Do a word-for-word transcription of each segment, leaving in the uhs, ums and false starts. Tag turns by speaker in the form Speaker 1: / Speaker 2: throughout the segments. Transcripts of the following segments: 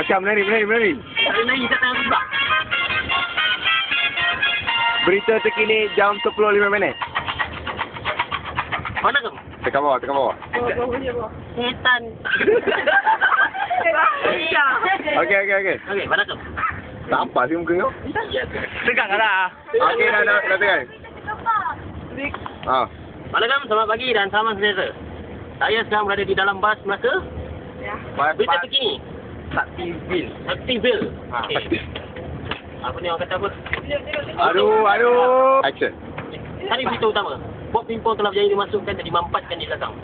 Speaker 1: Macam menari, menari, menari.
Speaker 2: Menari tak tahu sebab.
Speaker 1: Berita terkini jam sepuluh lima minit.
Speaker 2: Mana kamu?
Speaker 1: Tekan bawah, tekan bawah.
Speaker 2: Setan.
Speaker 1: Okey, okey, okey.
Speaker 2: Okey, mana kamu?
Speaker 1: Nampak sih muka kau.
Speaker 2: Tegang lah.
Speaker 1: Okey, dah, dah, dah tekan. Ah.
Speaker 2: Assalamualaikum, selamat pagi dan salam sejahtera. Saya sedang berada di dalam bas Melaka.
Speaker 3: Ya.
Speaker 2: Berita terkini.
Speaker 1: Saktiville.
Speaker 2: Aktivil. Okey. Apa ni orang kata apa?
Speaker 1: Aduh, aduh. Action.
Speaker 2: Hari berita utama. Bot pimpong telah berjaya dimasukkan dan dimampatkan di belakang.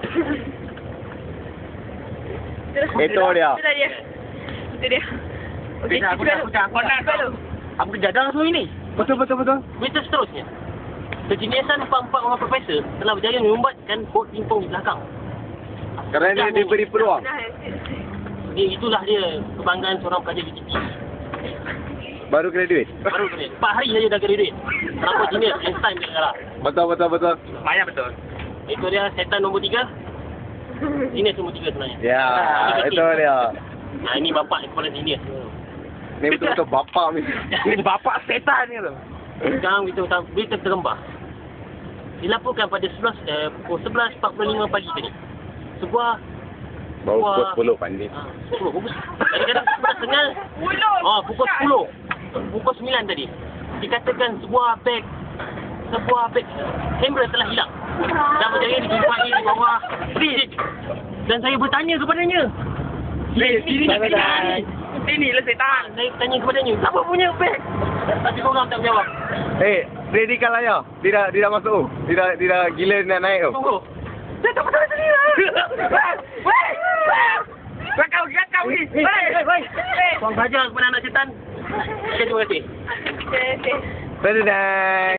Speaker 1: Itu dia.
Speaker 3: Itu dia. Itu dia. Okey,
Speaker 2: Aku
Speaker 3: kita
Speaker 2: dah, aku dah, aku dah, aku dah. Aku jadah semua ini.
Speaker 1: Betul, betul, betul.
Speaker 2: Berita seterusnya. Kejeniusan empat-empat orang profesor telah berjaya membuatkan bot pimpong di belakang.
Speaker 1: Kerana dia diberi peluang.
Speaker 2: Dia, itulah dia kebanggaan seorang pelajar B T P.
Speaker 1: Baru graduate.
Speaker 2: Baru kena. Empat hari saja dah graduate. Kenapa genius? Einstein dia kalah.
Speaker 1: Betul, betul, betul.
Speaker 2: Maya betul. Itu dia setan nombor tiga. Genius nombor tiga sebenarnya.
Speaker 1: Ya, itu dia.
Speaker 2: Nah, ini bapak kepala genius.
Speaker 1: Ni betul-betul bapak ni.
Speaker 2: Bapak setan ni tu. Sekarang berita utama, berita tergembah. Dilaporkan pada sebelas, eh, pukul sebelas empat puluh lima pagi tadi. Sebuah
Speaker 1: Baru
Speaker 2: sebuah-
Speaker 1: pukul sepuluh pandai.
Speaker 2: Ah, sepuluh. Pukul kadang-kadang sebelas tengah. Oh, pukul sepuluh. Pukul sembilan tadi. Dikatakan sebuah beg sebuah beg kamera telah hilang. Dan berjaya dijumpai di bawah lift. Dan saya bertanya kepadanya. Ini tak hilang. Ini lah setan. Saya tanya kepadanya, siapa punya beg? Tapi korang tak jawab.
Speaker 1: Eh, dia di kalaya. Dia dah, dia dah masuk. Dia dah, dia dah gila nak naik tu.
Speaker 2: Tunggu. Saya tak betul sini lah. Weh! Weh! Kau ingat kau ni. Weh! Weh! Korang belajar kepada anak setan. Okay, terima kasih.
Speaker 3: Okey, okey.
Speaker 1: Dadah.